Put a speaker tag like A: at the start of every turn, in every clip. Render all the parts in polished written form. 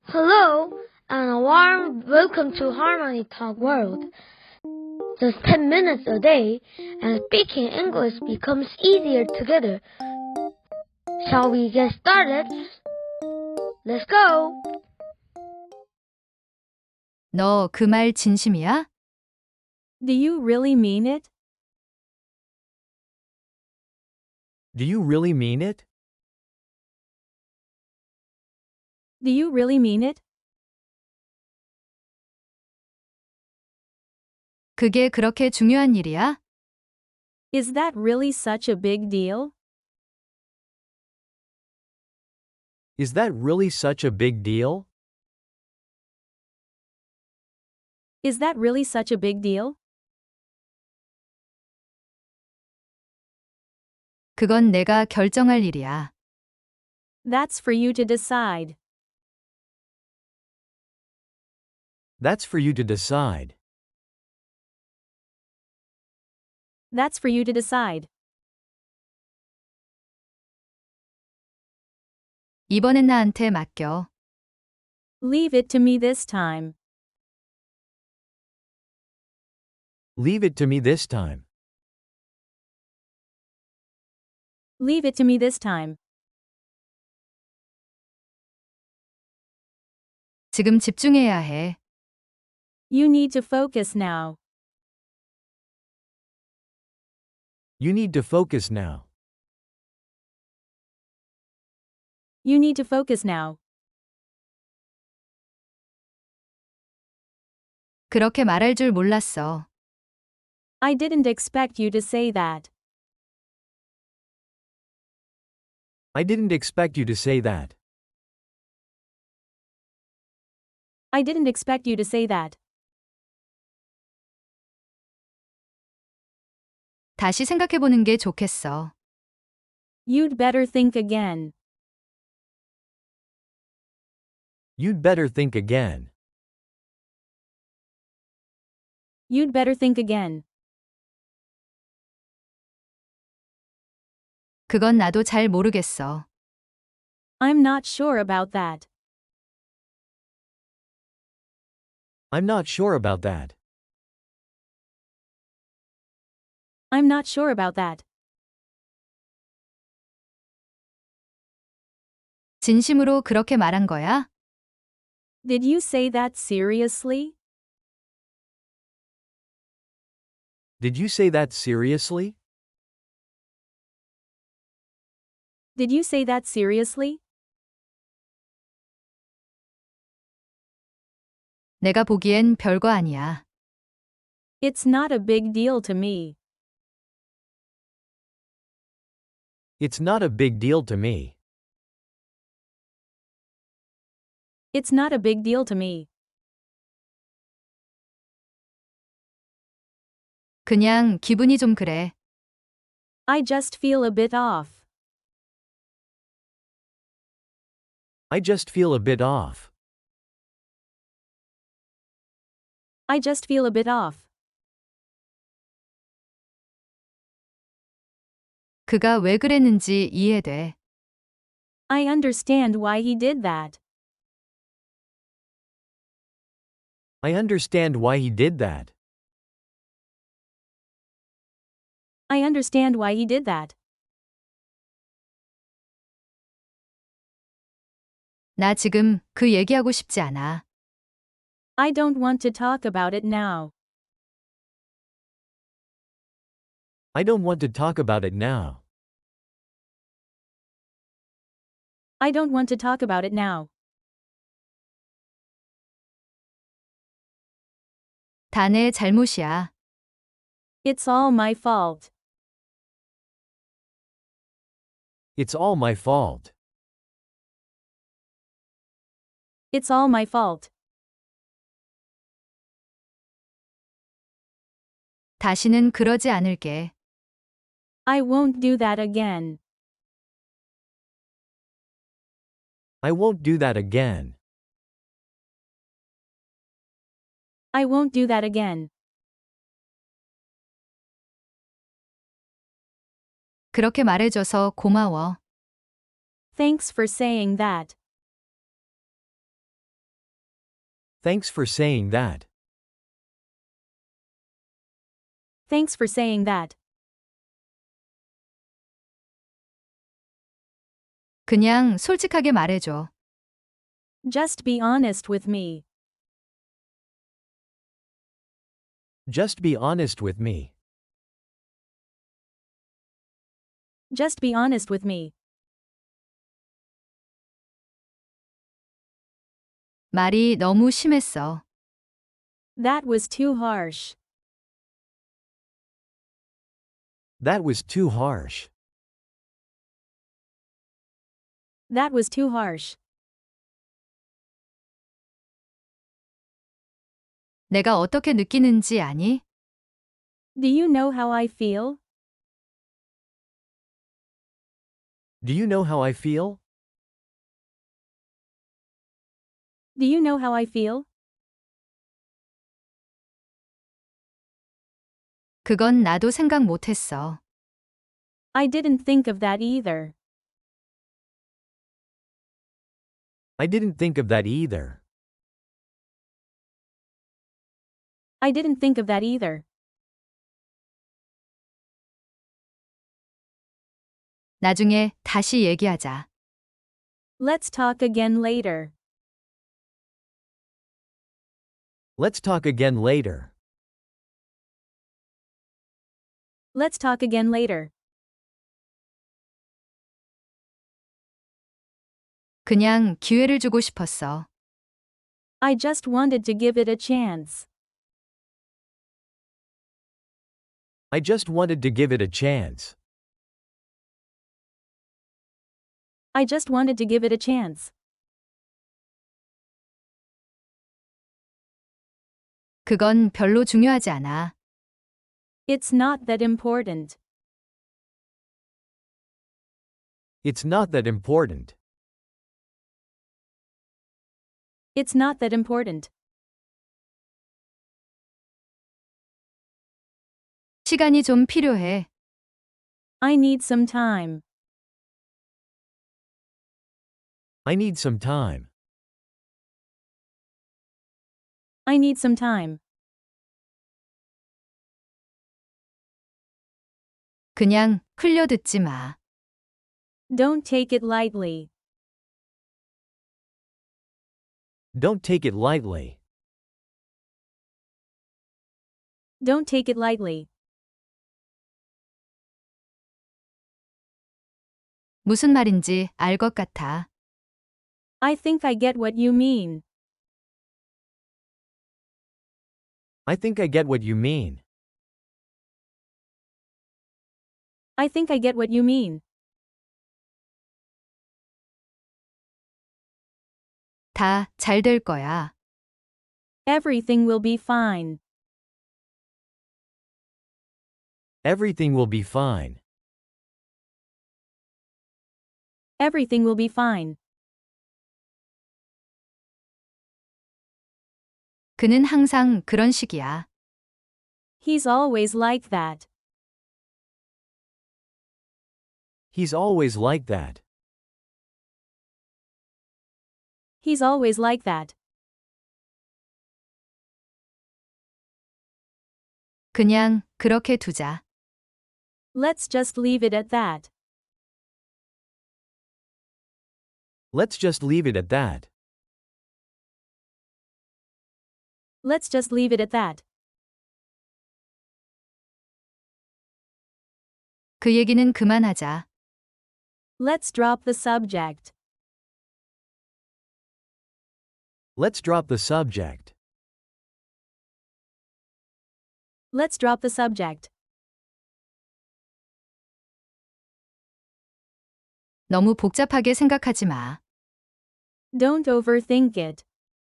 A: Hello, and a warm welcome to Harmony Talk World. Just 10 minutes a day, and speaking English becomes easier together. Shall we get started? Let's go!
B: 너 그 말 진심이야?
C: Do you really mean it?
D: Do you really mean it?
C: Do you really mean it?
B: 그게 그렇게 중요한 일이야?
C: Is that really such a big deal?
D: Is that really such a big deal?
C: Is that really such a big deal?
B: 그건 내가 결정할 일이야.
C: That's for you to decide.
D: That's for you to decide.
C: That's for you to decide.
B: 이번엔 나한테 맡겨.
C: Leave it to me this time.
D: Leave it to me this time.
C: Leave it to me this time.
B: 지금 집중해야 해.
C: You need to focus now.
D: You need to focus now.
C: You need to focus now.
B: 그렇게 말할 줄 몰랐어.
C: I didn't expect you to say that.
D: I didn't expect you to say that.
C: I didn't expect you to say that.
B: 다시 생각해보는 게 좋겠어.
C: You'd better think again.
D: You'd better think again.
C: You'd better think again.
B: 그건 나도 잘 모르겠어.
C: I'm not sure about that.
D: I'm not sure about that.
C: I'm not sure about that.
B: 진심으로 그렇게 말한 거야?
C: Did you say that seriously?
D: Did you say that seriously?
C: Did you say that seriously?
B: 내가 보기엔 별거 아니야.
C: It's not a big deal to me.
D: It's not a big deal to me.
C: It's not a big deal to me.
B: 그냥 기분이 좀 그래.
C: I just feel a bit off.
D: I just feel a bit off.
C: I just feel a bit off.
B: 그가 왜 그랬는지 이해돼.
C: I understand why he did that.
D: I understand why he did that.
C: I understand why he did that.
B: 나 지금 그 얘기하고 싶지 않아.
C: I don't want to talk about it now.
D: I don't want to talk about it now.
C: I don't want to talk about it now.
B: 다 내 잘못이야.
C: It's all my fault.
D: It's all my fault.
C: It's all my fault.
B: 다시는 그러지 않을게.
C: I won't do that again.
D: I won't do that again.
C: I won't do that again.
B: 그렇게 말해줘서 고마워.
C: Thanks for saying that.
D: Thanks for saying that.
C: Thanks for saying that.
B: 그냥 솔직하게 말해줘.
C: Just be honest with me.
D: Just be honest with me.
C: Just be honest with me.
B: 말이 너무 심했어.
C: That was too harsh.
D: That was too harsh.
C: That was too harsh.
B: 내가 어떻게 느끼는지 아니?
C: Do you know how I feel?
D: Do you know how I feel?
C: Do you know how I feel?
B: 그건 나도 생각 못했어.
C: I didn't think of that either.
D: I didn't think of that either.
C: I didn't think of that either.
B: 나중에 다시 얘기하자.
C: Let's talk again later.
D: Let's talk again later.
C: Let's talk again later.
B: 그냥 기회를 주고 싶었어.
C: I just wanted to give it a chance.
D: I just wanted to give it a chance.
C: I just wanted to give it a chance.
B: 그건 별로 중요하지 않아.
C: It's not that important.
D: It's not that important.
C: It's not that important.
B: 시간이 좀 필요해.
C: I need some time.
D: I need some time.
C: I need some time.
B: 그냥 흘려듣지 마.
C: Don't take it lightly.
D: Don't take it lightly.
C: Don't take it lightly.
B: 무슨 말인지 알 것 같아.
C: I think I get what you mean.
D: I think I get what you mean.
C: I think I get what you mean.
B: 다 잘 될 거야.
C: Everything will be fine.
D: Everything will be fine.
C: Everything will be fine.
B: 그는 항상 그런 식이야.
C: He's always like that.
D: He's always like that.
C: He's always like that.
B: 그냥 그렇게 두자.
C: Let's just leave it at that.
D: Let's just leave it at that.
C: Let's just leave it at that.
B: 그 얘기는 그만하자.
C: Let's drop the subject.
D: Let's drop the subject.
C: Let's drop the subject.
B: 너무 복잡하게 생각하지 마.
C: Don't overthink it.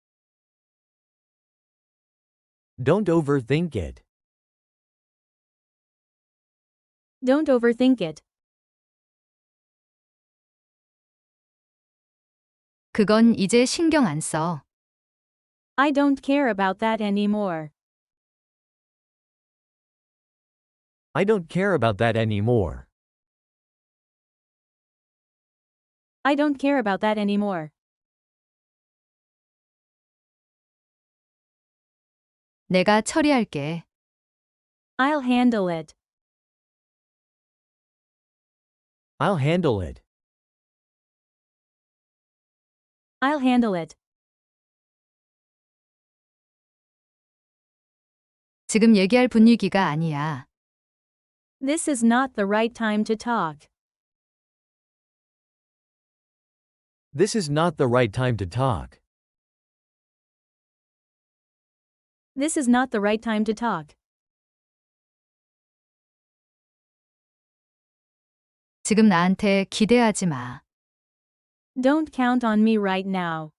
D: Don't overthink it.
C: Don't overthink it.
B: 그건 이제 신경 안 써.
C: I don't care about that anymore.
D: I don't care about that anymore.
C: I don't care about that anymore.
B: 내가 처리할게.
C: I'll handle it.
D: I'll handle it.
C: I'll handle it.
B: 지금 얘기할 분위기가 아니야.
C: This is not the right time to talk.
D: This is not the right time to talk.
C: This is not the right time to talk.
B: 지금 나한테 기대하지 마.
C: Don't count on me right now.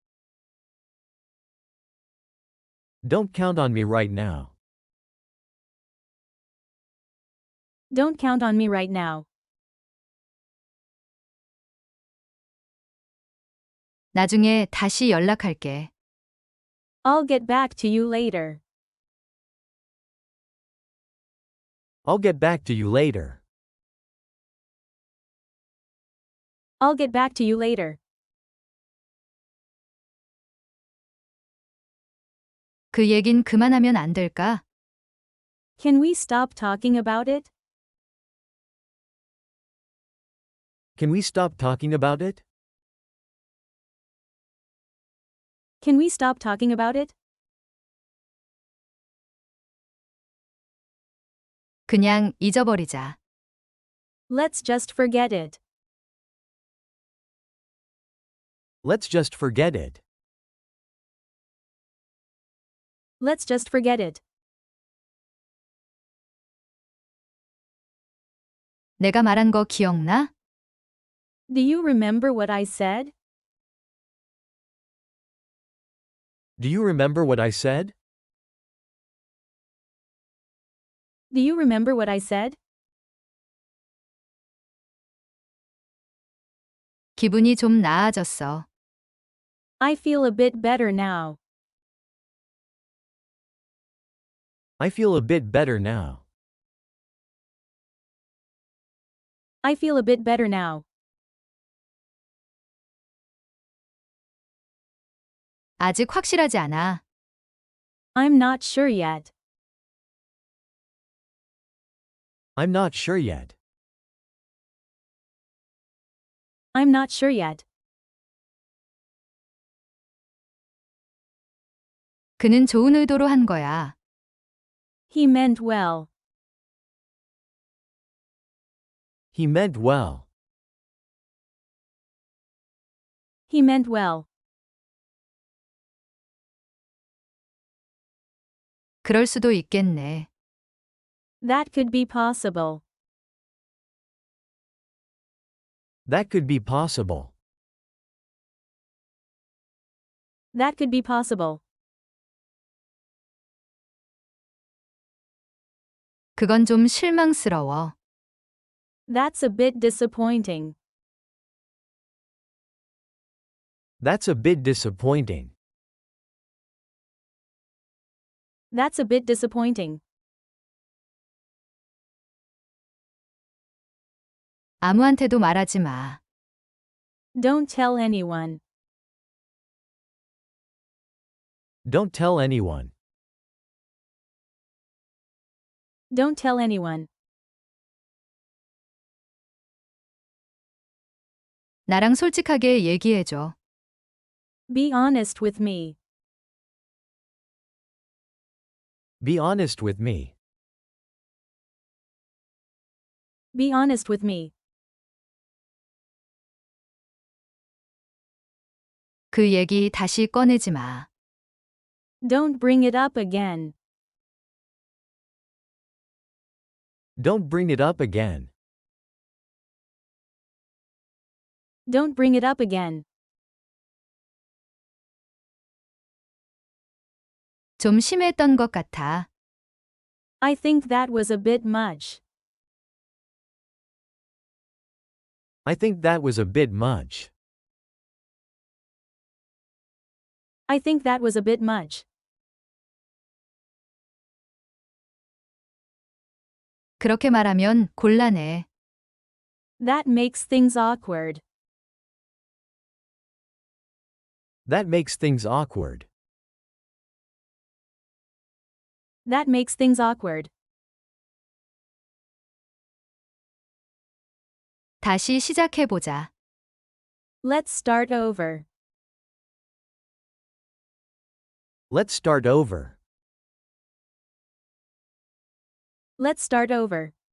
D: Don't count on me right now.
C: Don't count on me right now.
B: 나중에 다시 연락할게.
C: I'll get back to you later.
D: I'll get back to you later.
C: I'll get back to you later.
B: 그 얘긴 그만하면 안 될까?
C: Can we stop talking about it?
D: Can we stop talking about it?
C: Can we stop talking about it?
B: 그냥 잊어버리자.
C: Let's just forget it.
D: Let's just forget it.
C: Let's just forget it.
B: 내가 말한 거 기억나?
C: Do you remember what I said?
D: Do you remember what I said?
C: Do you remember what I said?
B: 기분이 좀 나아졌어.
C: I feel a bit better now.
D: I feel a bit better now.
C: I feel a bit better now.
B: 아직 확실하지 않아.
C: I'm not sure yet.
D: I'm not sure yet.
C: I'm not sure yet.
B: 그는 좋은 의도로 한 거야.
C: He meant well.
D: He meant well.
C: He meant well.
B: 그럴 수도 있겠네.
C: That could be possible.
D: That could be possible.
C: That could be possible.
B: 그건 좀 실망스러워.
C: That's a bit disappointing.
D: That's a bit disappointing.
C: That's a bit disappointing.
B: 아무한테도 말하지 마.
C: Don't tell anyone.
D: Don't tell anyone.
C: Don't tell anyone.
B: 나랑 솔직하게 얘기해줘.
C: Be honest with me.
D: Be honest with me.
C: Be honest with me.
B: 그 얘기 다시 꺼내지 마.
C: Don't bring it up again.
D: Don't bring it up again.
C: Don't bring it up again.
B: 좀 심했던 것 같아.
C: I think that was a bit much.
D: I think that was a bit much.
C: I think that was a bit much.
B: 그렇게 말하면 곤란해.
C: That makes things awkward.
D: That makes things awkward.
C: That makes things awkward.
B: 다시 시작해보자.
C: Let's start over.
D: Let's start over.
C: Let's start over.